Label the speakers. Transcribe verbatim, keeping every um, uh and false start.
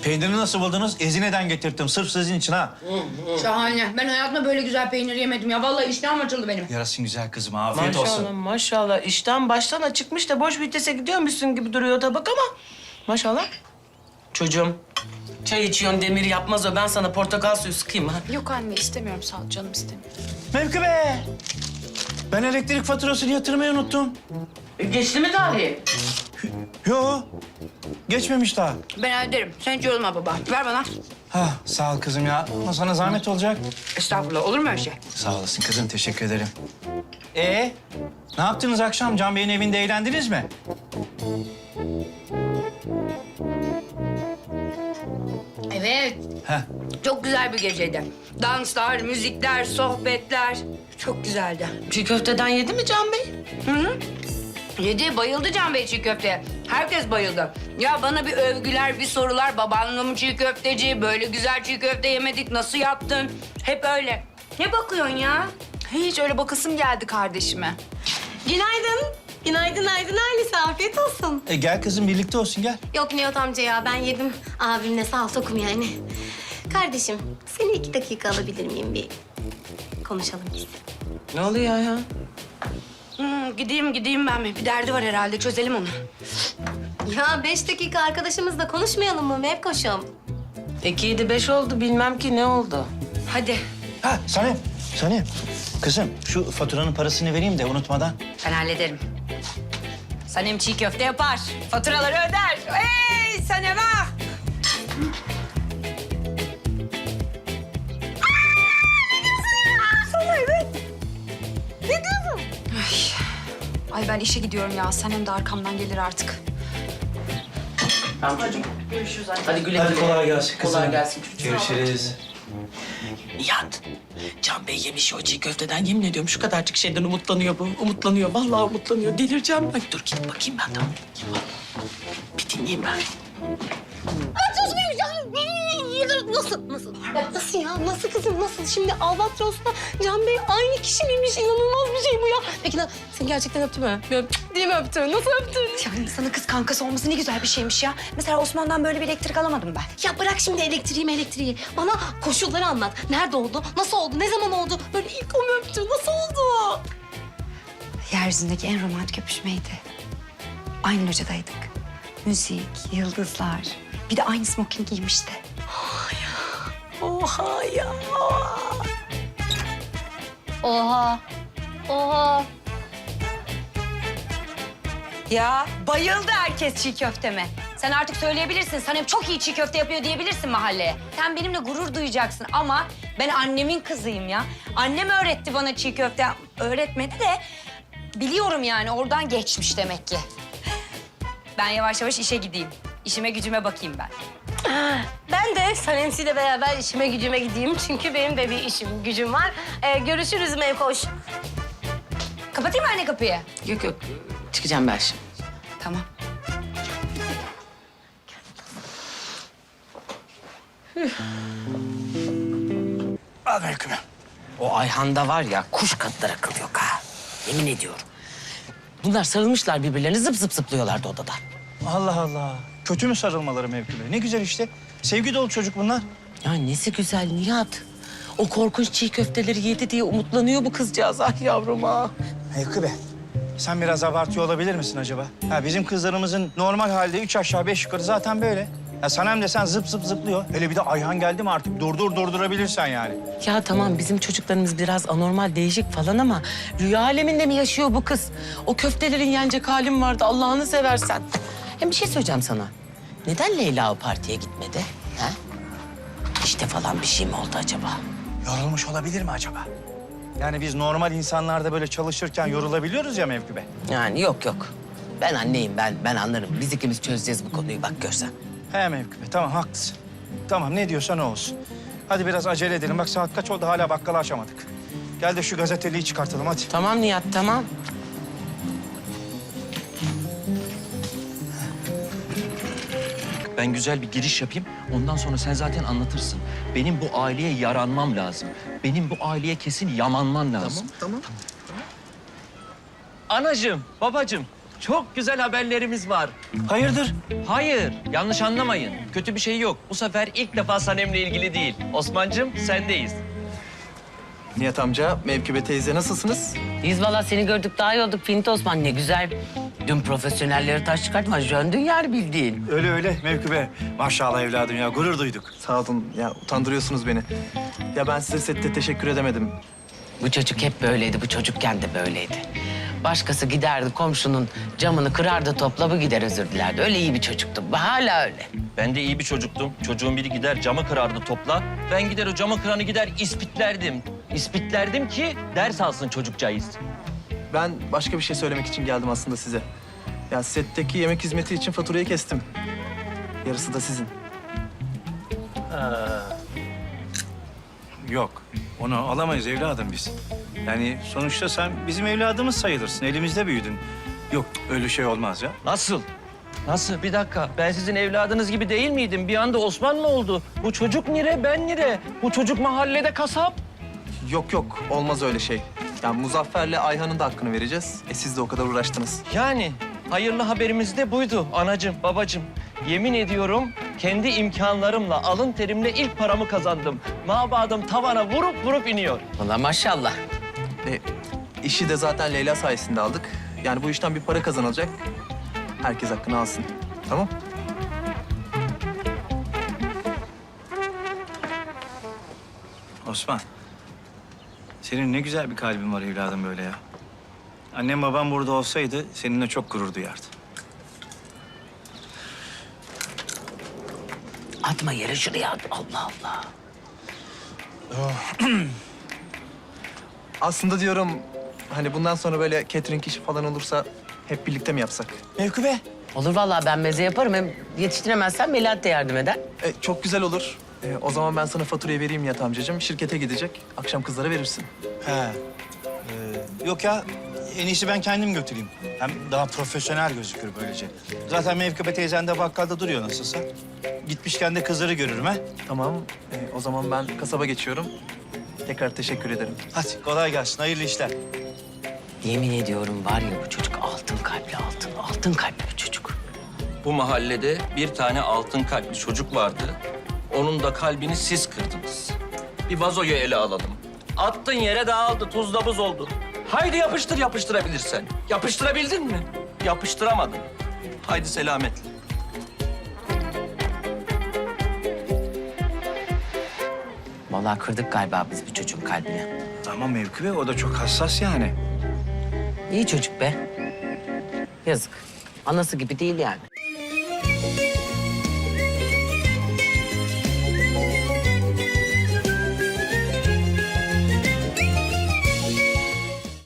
Speaker 1: Peynirini nasıl buldunuz? Ezine'den getirttim. Sırf sizin için ha.
Speaker 2: Şahane. Ben hayatımda böyle güzel peynir yemedim ya. Vallahi iştahım açıldı benim.
Speaker 1: Yarasın güzel kızım. Afiyet
Speaker 3: Maşallah
Speaker 1: olsun.
Speaker 3: maşallah. İşten baştan açıkmış da boş vitese gidiyormuşsun gibi duruyor tabak ama. Maşallah. Çocuğum çay içiyorsun demir yapmaz o. Ben sana portakal suyu sıkayım ha.
Speaker 4: Yok anne istemiyorum sağ ol canım istemiyorum.
Speaker 1: Mevkübe! Ben elektrik faturasını yatırmayı unuttum.
Speaker 3: E, geçti mi tarihi?
Speaker 1: Yo, geçmemiş daha.
Speaker 2: Ben öderim. Sen hiç yorulma baba. Ver bana.
Speaker 1: Ha, sağ ol kızım ya. Ama sana zahmet olacak.
Speaker 2: Estağfurullah. Olur mu öyle şey?
Speaker 1: Sağ olasın kızım, teşekkür ederim. Ee, ne yaptınız akşam? Can Bey'in evinde eğlendiniz mi?
Speaker 2: Evet.
Speaker 1: Heh.
Speaker 2: Çok güzel bir geceydi. Danslar, müzikler, sohbetler. Çok güzeldi.
Speaker 3: Çiğ köfteden yedi mi Can Bey?
Speaker 2: Hı hı. Yedi, bayıldı Can Bey çiğ köfteye. Herkes bayıldı. Ya bana bir övgüler, bir sorular. Babanla mı çiğ köfteci? Böyle güzel çiğ köfte yemedik. Nasıl yaptın? Hep öyle. Ne bakıyorsun ya?
Speaker 4: Hiç öyle bakasım geldi kardeşime.
Speaker 5: Günaydın. Günaydın, günaydın ailesi. Afiyet olsun.
Speaker 1: E, gel kızım, birlikte olsun gel.
Speaker 5: Yok Nihat amca ya, ben yedim. Abimle sağ ol, tokum yani. Kardeşim, seni iki dakika alabilir miyim? Bir konuşalım biz.
Speaker 3: Ne oluyor ya?
Speaker 2: Hmm, gideyim, gideyim ben mi? Bir derdi var herhalde. Çözelim onu.
Speaker 5: Ya beş dakika arkadaşımızla konuşmayalım mı Mevkoş'um?
Speaker 3: İki yedi beş oldu bilmem ki ne oldu.
Speaker 2: Hadi.
Speaker 1: Ha, Sanem, Sanem. Kızım, şu faturanın parasını vereyim de unutmadan.
Speaker 2: Ben hallederim. Sanem çiğ köfte yapar. Faturaları öder. Hey Sanem ah!
Speaker 4: Ay ben işe gidiyorum ya. Sanem de arkamdan gelir artık.
Speaker 3: Tamam çocuğum. Görüşürüz anne. Hadi güle
Speaker 1: Hadi
Speaker 3: güle.
Speaker 1: kolay gelsin kızım.
Speaker 3: Kolay gelsin çocuğum.
Speaker 1: Görüşürüz.
Speaker 3: Nihat, Can Bey yemiş o çiğ köfteden. Yemin ediyorum şu kadarcık şeyden umutlanıyor bu. Umutlanıyor, vallahi umutlanıyor. Delireceğim ben. Dur gidip bakayım ben de. Bir dinleyeyim ben.
Speaker 5: Nasıl, nasıl? Ya nasıl ya? Nasıl kızım, nasıl? Şimdi Albatros'ta Can Bey aynı kişi miymiş? İnanılmaz bir şey bu ya. Peki lan seni gerçekten öptü mü? Bir öp- Değil mi öptü? Nasıl öptü?
Speaker 4: Yani sana kız kankası olması ne güzel bir şeymiş ya. Mesela Osman'dan böyle bir elektrik alamadım ben.
Speaker 5: Ya bırak şimdi elektriği elektriği. Bana koşulları anlat. Nerede oldu? Nasıl oldu? Ne zaman oldu? Böyle ilk o mu öptü? Nasıl oldu?
Speaker 4: Yeryüzündeki en romantik öpüşmeydi. Aynı locadaydık. Müzik, yıldızlar. Bir de aynı smoking giymişti.
Speaker 5: Oha ya. Oha. Oha.
Speaker 2: Ya bayıldı herkes çiğ köfteme. Sen artık söyleyebilirsin. Sanem çok iyi çiğ köfte yapıyor diyebilirsin mahalleye. Sen benimle gurur duyacaksın ama ben annemin kızıyım ya. Annem öğretti bana çiğ köfte. Öğretmedi de biliyorum yani oradan geçmiş demek ki. Ben yavaş yavaş işe gideyim. İşime gücüme bakayım ben.
Speaker 5: Ben de Sanemsi'yle beraber işime gücüme gideyim. Çünkü benim de bir işim gücüm var. Ee, görüşürüz Mevkoş.
Speaker 2: Kapatayım mı anne kapıyı?
Speaker 3: Yok yok, çıkacağım ben şimdi.
Speaker 2: Tamam.
Speaker 1: Al Mevkübe.
Speaker 3: O Ayhan'da var ya kuş kadar akıl yok ha. Yemin ediyorum. Bunlar sarılmışlar birbirlerine zıp zıp zıplıyorlardı odada.
Speaker 1: Allah Allah. Kötü mü sarılmaları Mevkübe? Ne güzel işte. Sevgi dolu çocuk bunlar.
Speaker 3: Ya nesi güzel Nihat. O korkunç çiğ köfteleri yedi diye umutlanıyor bu kızcağız. Ah yavrum ah.
Speaker 1: Mevkübe, sen biraz abartıyor olabilir misin acaba? Ha, bizim kızlarımızın normal halde üç aşağı beş yukarı zaten böyle. Ya Sanem de sen zıp zıp zıplıyor. Hele bir de Ayhan geldi mi artık durdur durdurabilirsen yani.
Speaker 3: Ya tamam bizim çocuklarımız biraz anormal değişik falan ama rüya aleminde mi yaşıyor bu kız? O köftelerin yenecek halim vardı Allah'ını seversen. Hem bir şey söyleyeceğim sana. Neden Leyla o partiye gitmedi? Ha? İşte falan bir şey mi oldu acaba?
Speaker 1: Yorulmuş olabilir mi acaba? Yani biz normal insanlarda böyle çalışırken yorulabiliyoruz ya Mevkübe.
Speaker 3: Yani yok yok. Ben anneyim ben ben anlarım. Biz ikimiz çözeceğiz bu konuyu bak görsen.
Speaker 1: He Mevkübe, tamam haklısın. Tamam ne diyorsan o olsun. Hadi biraz acele edelim. Bak saat kaç oldu hala bakkalı açamadık. Gel de şu gazeteliği çıkartalım hadi.
Speaker 3: Tamam Nihat tamam.
Speaker 6: Ben güzel bir giriş yapayım. Ondan sonra sen zaten anlatırsın. Benim bu aileye yaranmam lazım. Benim bu aileye kesin yamanman lazım.
Speaker 7: Tamam, tamam.
Speaker 6: Anacığım, babacığım. Çok güzel haberlerimiz var.
Speaker 1: Hayırdır?
Speaker 6: Hayır, yanlış anlamayın. Kötü bir şey yok. Bu sefer ilk defa Sanem'le ilgili değil. Osman'cığım sendeyiz.
Speaker 7: Nihat amca, Mevkibe teyze nasılsınız?
Speaker 3: Biz valla seni gördük daha iyi olduk Finti Osman, ne güzel. Dün profesyonelleri taş çıkartma, jöndün yani bildiğin.
Speaker 1: Öyle öyle Mevkübe. Maşallah evladım ya gurur duyduk.
Speaker 7: Sağ olun, ya utandırıyorsunuz beni. Ya ben size sette teşekkür edemedim.
Speaker 3: Bu çocuk hep böyleydi, bu çocukken de böyleydi. Başkası giderdi komşunun camını kırardı, topla bu gider özür dilerdi. Öyle iyi bir çocuktu, hala öyle.
Speaker 6: Ben de iyi bir çocuktum. Çocuğun biri gider camı kırardı topla. Ben gider o camı kıranı gider ispitlerdim. İspitlerdim ki ders alsın çocukcağız.
Speaker 7: Ben başka bir şey söylemek için geldim aslında size. Ya setteki yemek hizmeti için faturayı kestim. Yarısı da sizin.
Speaker 1: Yok onu alamayız evladım biz. Yani sonuçta sen bizim evladımız sayılırsın. Elimizde büyüdün. Yok öyle şey olmaz ya.
Speaker 6: Nasıl? Nasıl? Bir dakika. Ben sizin evladınız gibi değil miydim? Bir anda Osman mı oldu? Bu çocuk nire, ben nire? Bu çocuk mahallede kasap.
Speaker 7: Yok yok, olmaz öyle şey. Ya Muzaffer'le Ayhan'ın da hakkını vereceğiz. E siz de o kadar uğraştınız.
Speaker 6: Yani hayırlı haberimiz de buydu anacığım, babacığım. Yemin ediyorum kendi imkanlarımla, alın terimle ilk paramı kazandım. Mabadım tavana vurup vurup iniyor.
Speaker 3: Valla maşallah.
Speaker 7: E, işi de zaten Leyla sayesinde aldık. Yani bu işten bir para kazanılacak. Herkes hakkını alsın. Tamam?
Speaker 1: Osman. Senin ne güzel bir kalbin var evladım böyle ya. Annem babam burada olsaydı seninle çok gurur duyardı.
Speaker 3: Atma yere şuraya at. Allah Allah.
Speaker 7: Aslında diyorum hani bundan sonra böyle catering işi falan olursa hep birlikte mi yapsak?
Speaker 1: Mevkübe.
Speaker 3: Olur vallahi, ben meze yaparım. Hem yetiştiremezsen Melahat de yardım eder.
Speaker 7: E, çok güzel olur. E, o zaman ben sana faturayı vereyim Nihat amcacığım. Şirkete gidecek. Akşam kızlara verirsin.
Speaker 1: He. Ee, yok ya en iyisi ben kendim götüreyim. Hem daha profesyonel gözükür böylece. Zaten Mevkübe teyzen de bakkalda duruyor nasılsa. Gitmişken de kızları görürüm ha.
Speaker 7: Tamam. E, o zaman ben kasaba geçiyorum. Tekrar teşekkür ederim.
Speaker 1: Hadi kolay gelsin hayırlı işler.
Speaker 3: Yemin ediyorum var ya, bu çocuk altın kalpli, altın, altın kalpli bir çocuk.
Speaker 6: Bu mahallede bir tane altın kalpli çocuk vardı. Onun da kalbini siz kırdınız. Bir vazoyu ele alalım. Attın yere dağıldı, tuzla buz oldu. Haydi yapıştır yapıştırabilirsen. Yapıştırabildin mi? Yapıştıramadın. Haydi selametle.
Speaker 3: Vallahi kırdık galiba biz bu çocuğun kalbini.
Speaker 1: Ama Mevkübe o da çok hassas yani.
Speaker 3: İyi çocuk be. Yazık. Anası gibi değil yani.